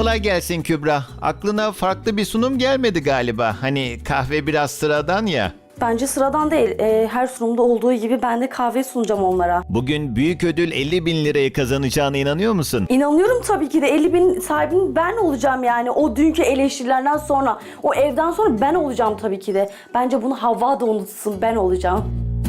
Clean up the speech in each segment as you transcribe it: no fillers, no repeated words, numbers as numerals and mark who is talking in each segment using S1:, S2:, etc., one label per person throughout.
S1: Kolay gelsin Kübra. Aklına farklı bir sunum gelmedi galiba. Hani kahve biraz sıradan ya.
S2: Bence sıradan değil. Her sunumda olduğu gibi ben de kahve sunacağım onlara.
S1: Bugün büyük ödül 50 bin lirayı kazanacağına inanıyor musun?
S2: İnanıyorum tabii ki de 50 bin sahibinin ben olacağım yani. O dünkü eleştirilerden sonra, o evden sonra ben olacağım tabii ki de. Bence bunu Havva da unutsun, ben olacağım.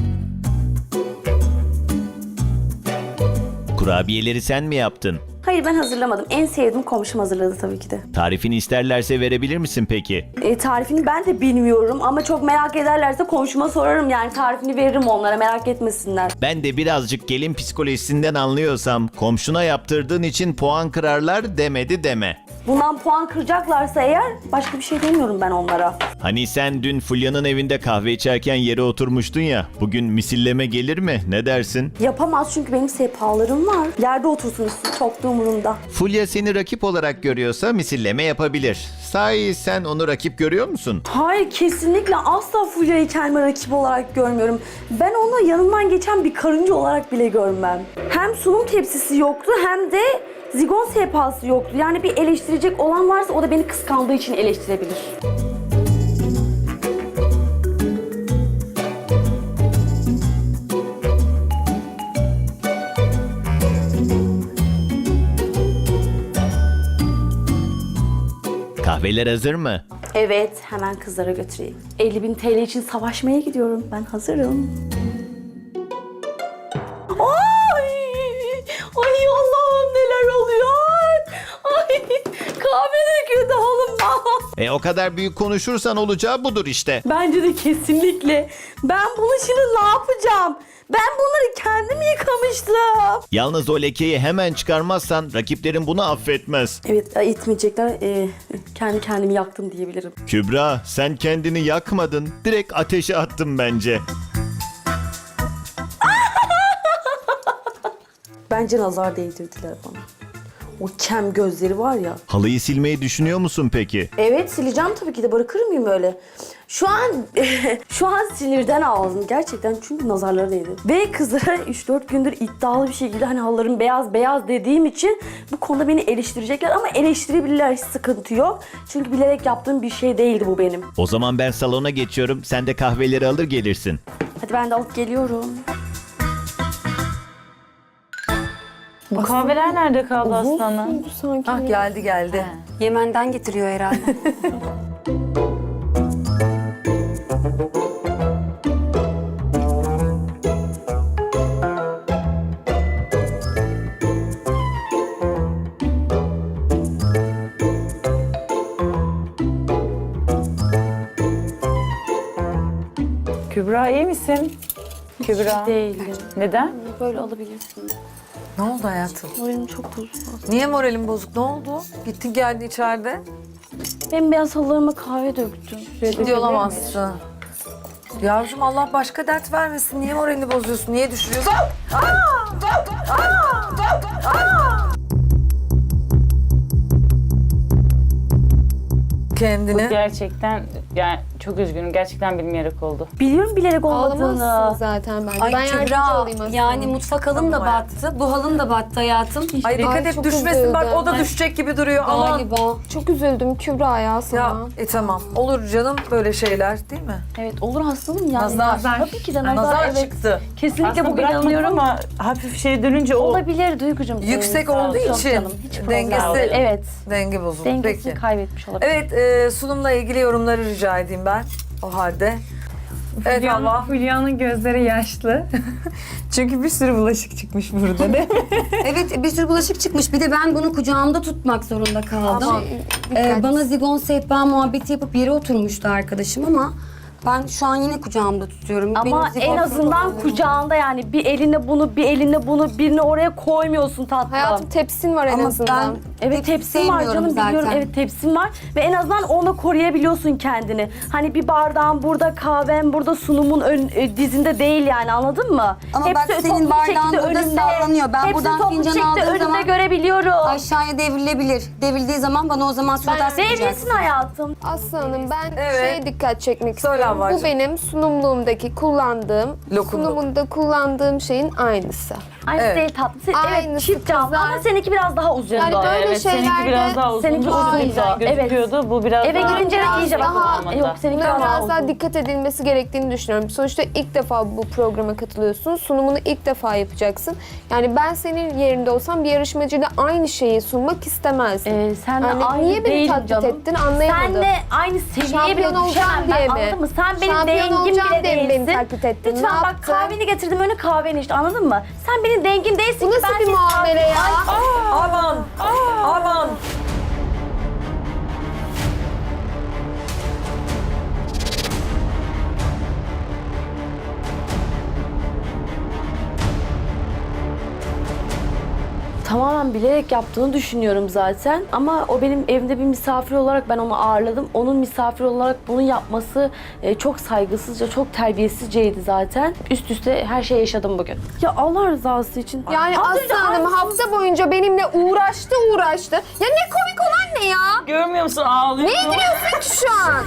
S1: Kurabiyeleri sen mi yaptın?
S2: Hayır, ben hazırlamadım. En sevdiğim komşum hazırladı tabii ki de.
S1: Tarifini isterlerse verebilir misin peki?
S2: Tarifini ben de bilmiyorum ama çok merak ederlerse komşuma sorarım yani tarifini veririm onlara, merak etmesinler.
S1: Ben de birazcık gelin psikolojisinden anlıyorsam komşuna yaptırdığın için puan kırarlar demedi deme.
S2: Bundan puan kıracaklarsa eğer başka bir şey demiyorum ben onlara.
S1: Hani sen dün Fulya'nın evinde kahve içerken yere oturmuştun ya. Bugün misilleme gelir mi? Ne dersin?
S2: Yapamaz çünkü benim sehpalarım var. Yerde otursun çok da umurumda.
S1: Fulya seni rakip olarak görüyorsa misilleme yapabilir. Sahi sen onu rakip görüyor musun?
S2: Hayır, kesinlikle asla Fulya'yı kendime rakip olarak görmüyorum. Ben onu yanından geçen bir karınca olarak bile görmem. Hem sunum tepsisi yoktu hem de zigon sehpası yoktu. Yani bir eleştirecek olan varsa o da beni kıskandığı için eleştirebilir.
S1: Kahveler hazır mı?
S2: Evet, hemen kızlara götüreyim. 50 bin TL için savaşmaya gidiyorum. Ben hazırım. Ay! Ay Allah'ım, neler oluyor? Ay! Kahve döküldü oğlum.
S1: O kadar büyük konuşursan olacağı budur işte.
S2: Bence de kesinlikle. Ben bunu şimdi ne yapacağım? Ben bunları kendim yıkamıştım.
S1: Yalnız o lekeyi hemen çıkarmazsan rakiplerin bunu affetmez.
S2: Evet, itmeyecekler. Kendi kendimi yaktım diyebilirim.
S1: Kübra, sen kendini yakmadın. Direkt ateşe attın bence.
S2: Bence nazar değdirdiler bana. O kem gözleri var ya.
S1: Halıyı silmeyi düşünüyor musun peki?
S2: Evet, sileceğim tabii ki de, bırakır mıyım öyle? Şu an şu an sinirden ağladım gerçekten çünkü nazarları değdi. Ve kızlara 3-4 gündür iddialı bir şekilde hani halılarım beyaz beyaz dediğim için bu konuda beni eleştirecekler ama eleştirebilirler, hiç sıkıntı yok. Çünkü bilerek yaptığım bir şey değildi bu benim.
S1: O zaman ben salona geçiyorum. Sen de kahveleri alır gelirsin.
S2: Hadi ben de alıp geliyorum.
S3: Bu kahveler nerede kaldı aslanım?
S4: Sanki.
S5: Ah geldi.
S4: Yemen'den getiriyor herhalde.
S3: Kübra iyi misin? Kübra.
S2: Değilim.
S3: Neden?
S2: Böyle alabilirsin.
S5: Ne oldu hayatım?
S2: Moralim çok bozuldu.
S5: Niye moralin bozuk? Ne oldu? Gittin geldin içeride.
S2: Ben beyaz halılarıma kahve döktüm.
S5: Ciddi olamazsın. Yavrum Allah başka dert vermesin. Niye moralini bozuyorsun? Niye düşürüyorsun? Kendini.
S3: Gerçekten yani çok üzgünüm. Gerçekten bilmeyerek oldu.
S2: Biliyorum bilerek
S4: Ağlamazsın
S2: olmadığını.
S4: zaten bence.
S6: Ay
S4: Ben yardımcı
S6: Kübra,
S4: olayım aslında.
S6: yani mutfak halın da
S5: Tamam
S6: battı, bu halın da battı hayatım.
S5: Ay dikkat
S4: Ay,
S5: et
S4: çok
S5: düşmesin. Bak
S4: üzüldüm.
S5: o da düşecek gibi duruyor. Aman.
S4: Galiba. Çok üzüldüm Kübra ya sana.
S5: Ya tamam. Olur canım böyle şeyler değil mi?
S2: Evet, olur hastalım yani.
S5: Nazar.
S2: Tabii ki de nazar,
S5: Nazar
S2: evet.
S5: çıktı.
S2: Kesinlikle
S3: Aslında
S2: bugün
S3: bırakmadım
S2: inanıyorum.
S3: ama hafif şey dönünce o
S2: Olabilir Duygucuğum.
S5: Yüksek
S2: Sağ ol,
S5: olduğu
S2: çok
S5: için
S2: canım, hiç problem
S5: dengesi-
S2: değil. Evet.
S5: Denge bozuldu.
S2: Dengesini
S5: Peki.
S2: kaybetmiş olabilir.
S5: Evet sunumla ilgili yorumları rica edeyim ben. O halde. Evet Allah.
S7: Hülya'nın gözleri yaşlı. Çünkü bir sürü bulaşık çıkmış burada değil mi?
S6: Evet, bir sürü bulaşık çıkmış. Bir de ben bunu kucağımda tutmak zorunda kaldım.
S5: Aman.
S6: Bana zigon sehpa muhabbeti yapıp yere oturmuştu arkadaşım ama ben şu an yine kucağımda tutuyorum.
S2: Ama
S6: Benim zigon
S2: en azından
S6: sehpam-
S2: kucağında yani bir eline bunu, bir eline bunu, birini oraya koymuyorsun tatlım.
S4: Hayatım tepsin var en
S6: Ama
S4: azından.
S2: Evet, tepsin var canım, biliyorum. Evet, tepsin var ve en azından onu koruyabiliyorsun kendini. Hani bir bardağın burada, kahven burada, sunumun dizinde değil yani, anladın mı?
S6: Ama bak senin
S2: toplu bir
S6: bardağın
S2: şekilde
S6: burada sallanıyor. Ben
S2: hepsi
S6: buradan
S2: toplu
S6: fincan
S2: şekilde
S6: aldığım
S2: önümde
S6: zaman
S2: görebiliyorum.
S6: aşağıya devrilebilir. Devrildiği zaman bana o zaman surat asmayacaksın.
S2: Devrilsin hayatım.
S4: Aslanım ben
S5: Evet.
S4: şeye dikkat çekmek
S5: Söyle
S4: istiyorum.
S5: Havvacığım.
S4: Bu benim sunumluğumdaki kullandığım,
S5: Lokumluk.
S4: sunumunda kullandığım şeyin aynısı.
S2: Aynısı
S5: Evet.
S2: değil tatlı. Evet
S4: Aynısı
S2: çift cam
S4: kızlar.
S2: ama seninki biraz daha uzun.
S4: Yani böyle
S3: Evet, seninki
S4: şeylerde
S3: biraz daha uzun.
S2: seninki
S3: Çok
S2: uzun.
S3: güzel
S2: Evet.
S3: gözüküyordu. Bu biraz
S2: Eve
S3: daha...
S2: gidince
S4: biraz
S2: iyice bak.
S4: daha-
S2: Yok seninki biraz daha
S4: biraz daha
S2: uzun.
S4: dikkat edilmesi gerektiğini düşünüyorum. Sonuçta ilk defa bu programa katılıyorsun. Sunumunu ilk defa yapacaksın. Yani ben senin yerinde olsam bir yarışmacıyla aynı şeyi sunmak istemezdim.
S2: Sen de
S4: Yani
S2: aynı
S4: niye beni
S2: değilim
S4: taklit
S2: canım.
S4: ettin anlayamadım.
S2: Sen de aynı seviyeye bile
S4: Şampiyon olacağım
S2: düşemem
S4: diye
S2: ben,
S4: mi?
S2: anladın mı? Sen benim
S4: Şampiyon
S2: dengim
S4: olacağım
S2: bile
S4: diye mi
S2: değilsin.
S4: beni taklit ettin? Ne
S2: Lütfen bak
S4: yaptın?
S2: kahveni getirdim önüne kahveni işte anladın mı? Sen benim dengim değilsin
S4: Bu
S2: ki
S4: nasıl
S2: ben
S4: bir
S2: senin
S4: muamele ya?
S5: Aman! Aman!
S2: Tamamen bilerek yaptığını düşünüyorum zaten. Ama o benim evimde bir misafir olarak ben onu ağırladım. Onun misafir olarak bunu yapması çok saygısızca, çok terbiyesizceydi zaten. Üst üste her şey yaşadım bugün. Ya Allah rızası için.
S4: Yani
S2: Az önce
S4: Aslı Hanım
S2: aynısını-
S4: hafta boyunca benimle uğraştı. Ya ne komik olan ne ya?
S3: Görmüyor musun? Ağlıyor.
S4: Ne gülüyorsun ki şu an?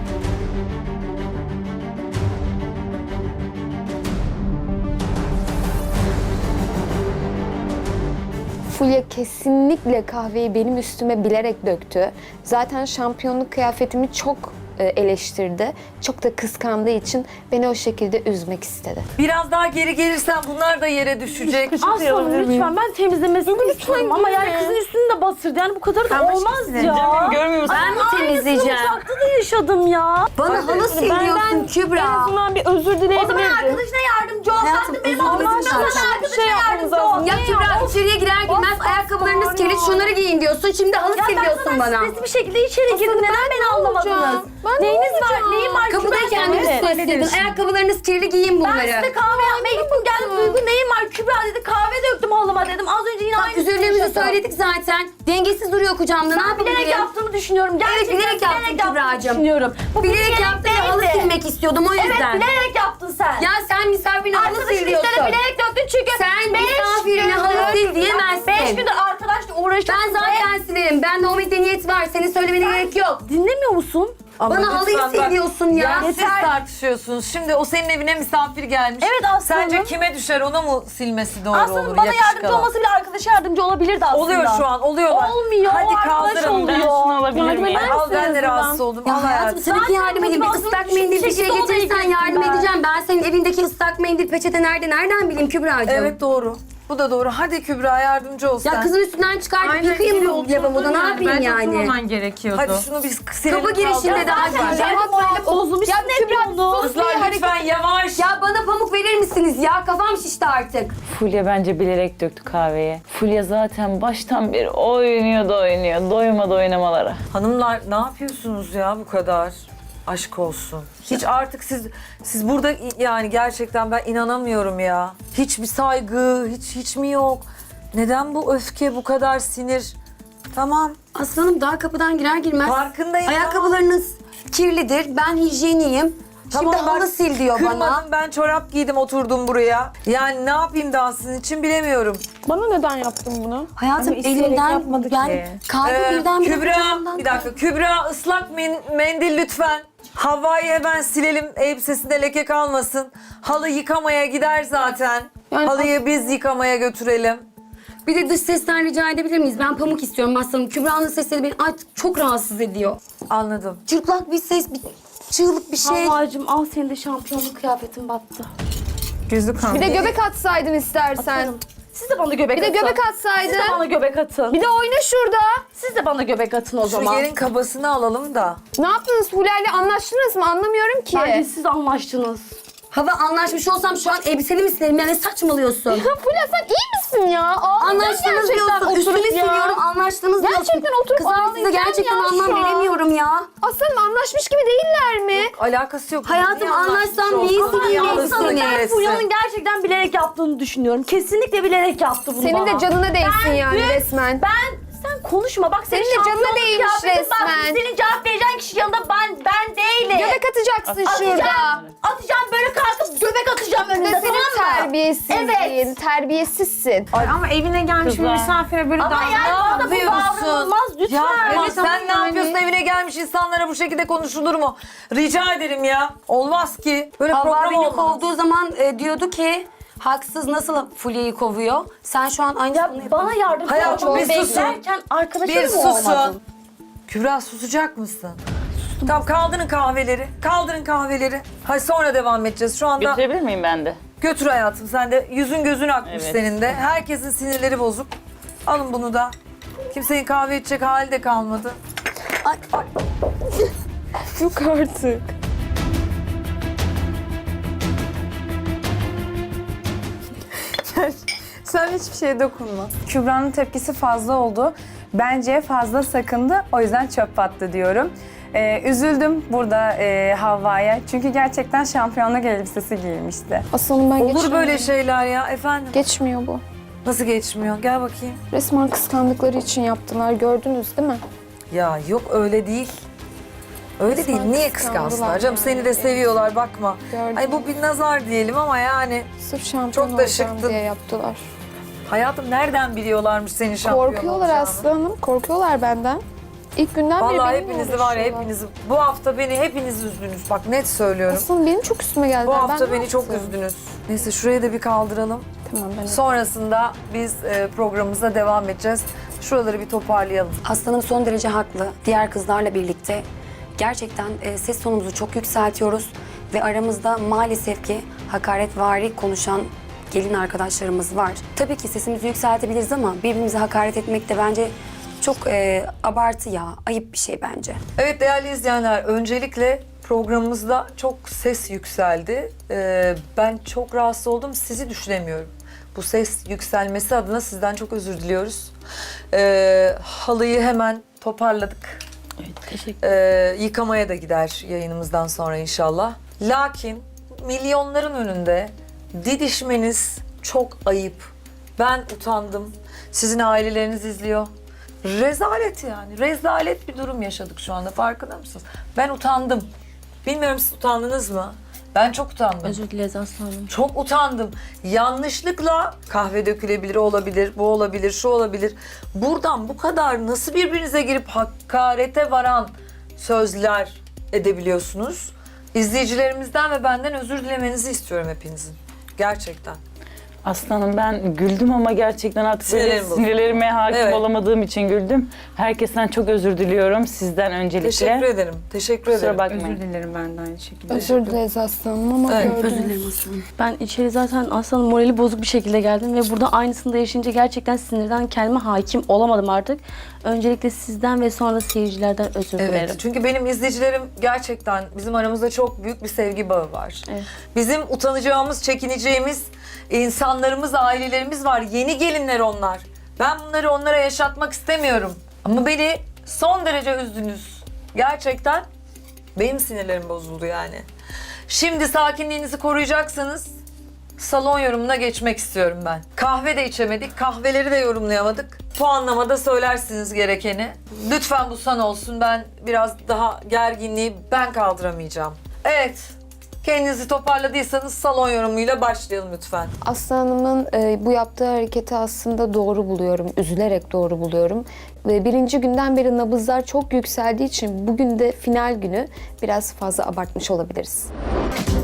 S4: Fulya kesinlikle kahveyi benim üstüme bilerek döktü. Zaten şampiyonluk kıyafetimi çok eleştirdi. Çok da kıskandığı için beni o şekilde üzmek istedi.
S5: Biraz daha geri gelirsen bunlar da yere düşecek.
S2: Aslanım lütfen ben temizlemesini istiyorum ama yani kızın üstünü de batırdı. Yani bu kadar da olmaz ya.
S3: Canım görmüyor musun?
S2: Ben mi temizleyeceğim? Mutfakta da yaşadım ya.
S6: Bana halı siliyorsun Kübra.
S2: azından bir özür dileyebilirim. O zaman arkadaşına yardımcı ol.
S6: Hayatım,
S2: Sen de benim
S6: özür
S2: olmam
S6: dilerim.
S2: lazım. Arkadaşına yardımcı ol.
S6: Ya Kübra içeriye girer girmez ayakkabılarınız kirli şunları giyin diyorsun. Şimdi halı sil diyorsun bana.
S2: Stresli bir şekilde içeri girdim. Neden beni anlamadınız?
S4: Ben
S2: Neyiniz
S4: ne
S2: var?
S4: olacağım?
S2: Neyim var?
S6: Kapıda
S2: Kübra?
S6: kendini
S2: Evet.
S6: stresledin. Ayakkabılarınız kirli giyin
S2: Ben
S6: bunları.
S2: size kahve yapmaya gittim. Geldim Duygu neyim var? Kübra dedi kahve döktüm halıma dedim. Az önce yine aynı
S6: Üzüldüğümüzü söyledik zaten. Dengesiz duruyor kucağımda. Ne
S2: Ben bilerek
S6: yapabilirim?
S2: yaptığımı düşünüyorum. Gerçekten
S6: bilerek yaptın Kübra'cığım.
S2: düşünüyorum. Bu
S6: Bilerek yaptın ve halı
S2: değildi.
S6: silmek istiyordum o
S2: Evet
S6: yüzden.
S2: bilerek yaptın sen.
S6: Ya sen misafirine halı
S2: Arkadaşın
S6: siliyorsun.
S2: üstüne bilerek döktün çünkü
S6: Sen misafirine halı sil diyemezsin.
S2: 5 gündür arkadaşla uğraştım.
S6: Ben zaten silerim. Bende o medeniyet var. Senin söylemene gerek yok.
S2: Dinlemiyor musun?
S5: Ama
S6: Bana halıyı
S5: lütfen bak,
S6: siliyorsun ya.
S5: Ya siz tartışıyorsunuz. Şimdi o senin evine misafir gelmiş.
S2: Evet, Aslı
S5: Sence
S2: Hanım.
S5: kime düşer, ona mı silmesi doğru
S2: Aslında
S5: olur?
S2: bana
S5: yakışık
S2: yardımcı
S5: alan?
S2: olması bile arkadaşa yardımcı olabilirdi aslında.
S5: Oluyor şu an, oluyorlar.
S2: Olmuyor,
S5: Hadi
S2: arkadaş
S5: kaldırın.
S2: oluyor.
S3: Ben şunu alabilir
S2: Yardım
S3: miyim?
S2: eder
S5: Al ben de
S2: misiniz
S5: rahatsız
S2: buradan?
S5: oldum.
S6: Ya
S5: Al
S6: hayatım
S5: hayatım.
S6: tabii ki
S2: Zaten
S6: yardım edeyim. Bir
S2: motivasyon
S6: ıslak
S2: düşük
S6: mendil bir
S2: bir
S6: şey
S2: şekilde odaya
S6: getirirsen yardım
S2: girdim ben.
S6: edeceğim. Ben senin evindeki ıslak mendil peçete nereden bileyim Kübra'cığım?
S5: Evet doğru. Bu da doğru. Hadi Kübra yardımcı ol sen.
S6: Ya kızın üstünden çıkartıp yıkayayım mı lavaboda? Ne yapayım yani?
S7: gerekiyordu.
S5: Hadi şunu biz silelim.
S6: Kapı girişinde daha
S2: Zaten
S6: güzel.
S2: moralim bozulmuş.
S4: Ya
S2: Hep
S4: Kübra,
S2: onu.
S5: Kızlar lütfen yavaş.
S6: Ya bana pamuk verir misiniz ya? Kafam şişti artık.
S3: Fulya bence bilerek döktü kahveyi. Fulya zaten baştan beri oynuyor. Doymadı oynamalara.
S5: Hanımlar ne yapıyorsunuz ya bu kadar? Aşk olsun. Hiç artık siz burada yani gerçekten ben inanamıyorum ya. Hiçbir saygı, hiç mi yok? Neden bu öfke, bu kadar sinir? Tamam.
S6: Aslanım daha kapıdan girer girmez.
S5: Farkındayım.
S6: Ayakkabılarınız kirlidir. Ben hijyeniyim.
S5: Tamam,
S6: Şimdi halı
S5: bak,
S6: sil diyor bana.
S5: kırmadım, ben çorap giydim oturdum buraya. Yani ne yapayım daha sizin için bilemiyorum.
S4: Bana neden yaptın bunu?
S6: Hayatım elimden yani kalbi birdenbire
S5: Kübra,
S6: kucağımdan.
S5: bir dakika. Kübra ıslak mendil lütfen. Havva'yı hemen silelim. Elbisesinde leke kalmasın. Halı yıkamaya gider zaten.
S4: Yani
S5: Halıyı biz yıkamaya götürelim.
S6: Bir de dış sesten rica edebilir miyiz? Ben pamuk istiyorum aslanım. Kübra'nın sesleri beni artık çok rahatsız ediyor.
S5: Anladım.
S6: Cırtlak bir ses, bir çığlık bir şey.
S2: Havvacığım al senin de şampiyonluk kıyafetin battı.
S7: Gözü kan.
S4: Bir de göbek atsaydın istersen.
S2: Atarım. Siz de bana göbek
S4: Bir de
S2: atın.
S4: göbek
S2: Siz de
S4: atsaydın.
S2: bana göbek atın.
S4: Bir de oyna şurada.
S2: Siz de bana göbek atın o
S5: Şu
S2: zaman.
S5: yerin kabasını alalım da.
S4: Ne yaptınız Fulya'yla anlaştınız mı? Anlamıyorum ki.
S2: Bence siz anlaştınız.
S6: Hava anlaşmış olsam şu an elbiseli mi silerim? Yani saçmalıyorsun.
S4: Fulya sen iyi misin ya? Ağlayacağım
S6: Anlaştınız
S4: gerçekten
S6: diyorsun. Üstümü
S4: oturup ya.
S6: siliyorum. Anlaştınız diyorsun.
S4: Gerçekten oturup
S6: Kızlar size
S4: ağlayacağım
S6: gerçekten
S4: ya
S6: anlam
S4: şu an.
S6: veremiyorum ya.
S4: Aslanım anlaşmış gibi değiller mi?
S5: Alakası yok.
S6: Hayatım,
S5: Niye anlaşmış
S6: anlaşsam neyi
S5: olsun?
S6: sileyim
S5: Niye
S6: elbiseni?
S5: alsın
S2: Ben
S5: neresi?
S2: Fulya'nın gerçekten bilerek yaptığını düşünüyorum. Kesinlikle bilerek yaptı bunu
S4: Senin
S2: bana.
S4: de canına değsin
S2: Ben
S4: yani
S2: dün-
S4: resmen.
S2: Sen konuşma bak senin
S4: Senin de canına
S2: şampiyonluk
S4: değmiş
S2: kıyafetin bak,
S4: resmen.
S2: senin cevap vereceğin kişi yanında ben değilim.
S4: Göbek atacaksın şurada.
S2: Atacağım böyle kalkıp göbek atacağım
S4: Bu
S2: önünde
S4: da
S2: tamam
S4: senin
S2: mı?
S4: terbiyesizliğin.
S2: Evet.
S4: Terbiyesizsin.
S7: Ama evine gelmiş
S3: Kızlar.
S7: bir misafire böyle
S2: Ama
S7: davranıyor.
S2: yani bana bu
S5: yapıyorsun?
S2: davranılmaz lütfen.
S5: Yapma.
S7: Evet, ama
S5: Sen ne
S7: yani-
S5: yapıyorsun? Evine gelmiş insanlara bu şekilde konuşulur mu? Rica ederim ya. Olmaz ki. Böyle
S6: Havva
S5: program
S6: beni
S5: olmaz.
S6: kovduğu zaman diyordu ki Haksız nasıl Fulya'yı kovuyor? Sen şu an aynısını
S2: Ya bana yardımcı
S5: Hayatım,
S2: olmak
S5: bir susun.
S2: beklerken arkadaşım
S5: Bir
S2: mı
S5: susun.
S2: olmadın?
S5: Kübra susacak mısın? Tamam, kaldırın kahveleri. Kaldırın kahveleri. Hadi sonra devam edeceğiz. Şu anda
S3: Götürebilir miyim ben de?
S5: götür hayatım. Sen de yüzün gözün akmış
S3: Evet.
S5: senin de. Herkesin sinirleri bozuk. Alın bunu da. Kimsenin kahve içecek hali de kalmadı.
S4: Yok artık.
S7: Sen hiçbir şeye dokunma. Kübra'nın tepkisi fazla oldu. Bence fazla sakındı. O yüzden çöp attı diyorum. Üzüldüm burada Havva'ya. Çünkü gerçekten şampiyonluk elbisesi giymişti.
S4: Aslanım ben
S5: Olur
S4: geçmiyorum.
S5: böyle şeyler ya efendim.
S4: Geçmiyor bu.
S5: Nasıl geçmiyor? Gel bakayım.
S4: Resmen kıskandıkları için yaptılar. Gördünüz değil mi?
S5: Ya yok öyle değil. Öyle
S4: Resmen
S5: değil. Niye
S4: kıskandılar
S5: kıskansınlar canım?
S4: yani.
S5: Seni de seviyorlar bakma.
S4: Gördüm.
S5: Ay bu bir nazar diyelim ama yani
S4: Sırf şampiyon
S5: Çok da
S4: olacağım
S5: şıktın.
S4: diye yaptılar.
S5: hayatım nereden biliyorlarmış senin şampiyon
S4: Korkuyorlar
S5: olacağını?
S4: aslanım. Korkuyorlar benden. İlk günden beri
S5: Vallahi
S4: benimle
S5: hepinizi var ya
S4: uğraşıyorlar.
S5: hepinizi. Bu hafta beni hepiniz üzdünüz. Bak net söylüyorum.
S4: Aslanım benim çok üstüme geldi.
S5: Bu
S4: Ben
S5: hafta
S4: ne
S5: beni çok
S4: yaptım?
S5: üzdünüz. Neyse şurayı da bir kaldıralım.
S4: Tamam ben
S5: Sonrasında biz programımıza devam edeceğiz. Şuraları bir toparlayalım.
S6: Aslanım son derece haklı. Diğer kızlarla birlikte gerçekten ses tonumuzu çok yükseltiyoruz ve aramızda maalesef ki hakaretvari konuşan gelin arkadaşlarımız var. Tabii ki sesimizi yükseltebiliriz ama birbirimize hakaret etmek de bence çok abartı ya. Ayıp bir şey bence.
S5: Evet değerli izleyenler, öncelikle programımızda çok ses yükseldi. Ben çok rahatsız oldum, sizi düşünemiyorum. Bu ses yükselmesi adına sizden çok özür diliyoruz. Halıyı hemen toparladık. Yıkamaya da gider yayınımızdan sonra inşallah. Lakin milyonların önünde didişmeniz çok ayıp. Ben utandım. Sizin aileleriniz izliyor. Rezalet yani. Rezalet bir durum yaşadık şu anda. Farkında mısınız? Ben utandım. Bilmiyorum siz utandınız mı? Ben çok utandım.
S2: Özür dileriz aslanım.
S5: Çok utandım. Yanlışlıkla kahve dökülebilir, olabilir, bu olabilir, şu olabilir. Buradan bu kadar nasıl birbirinize girip hakarete varan sözler edebiliyorsunuz? İzleyicilerimizden ve benden özür dilemenizi istiyorum hepinizin. Gerçekten.
S3: Aslanım ben güldüm ama gerçekten artık böyle
S5: Sinirlerim bozuldu.
S3: sinirlerime hakim
S5: Evet.
S3: olamadığım için güldüm. Herkesten çok özür diliyorum sizden öncelikle.
S5: Teşekkür ederim. Teşekkür ederim.
S3: Kusura bakmayın.
S7: Özür dilerim ben de aynı şekilde.
S4: özür dileriz aslanım ama
S5: Evet.
S4: gördünüz.
S2: Özür dilerim aslanım. Ben içeri zaten aslanım morali bozuk bir şekilde geldim ve burada aynısını da yaşayınca gerçekten sinirden kendime hakim olamadım artık. Öncelikle sizden ve sonra da seyircilerden özür dilerim.
S5: Evet, çünkü benim izleyicilerim gerçekten bizim aramızda çok büyük bir sevgi bağı var.
S2: Evet.
S5: Bizim utanacağımız, çekineceğimiz insanlarımız, ailelerimiz var. Yeni gelinler onlar. Ben bunları onlara yaşatmak istemiyorum. Ama beni son derece üzdünüz. Gerçekten benim sinirlerim bozuldu yani. Şimdi sakinliğinizi koruyacaksanız salon yorumuna geçmek istiyorum ben. Kahve de içemedik, kahveleri de yorumlayamadık. Puanlamada söylersiniz gerekeni. Lütfen bu son olsun. Ben biraz daha gerginliği ben kaldıramayacağım. Evet, kendinizi toparladıysanız salon yorumuyla başlayalım lütfen.
S4: Aslı Hanım'ın bu yaptığı hareketi aslında doğru buluyorum. Üzülerek doğru buluyorum. Ve birinci günden beri nabızlar çok yükseldiği için bugün de final günü biraz fazla abartmış olabiliriz.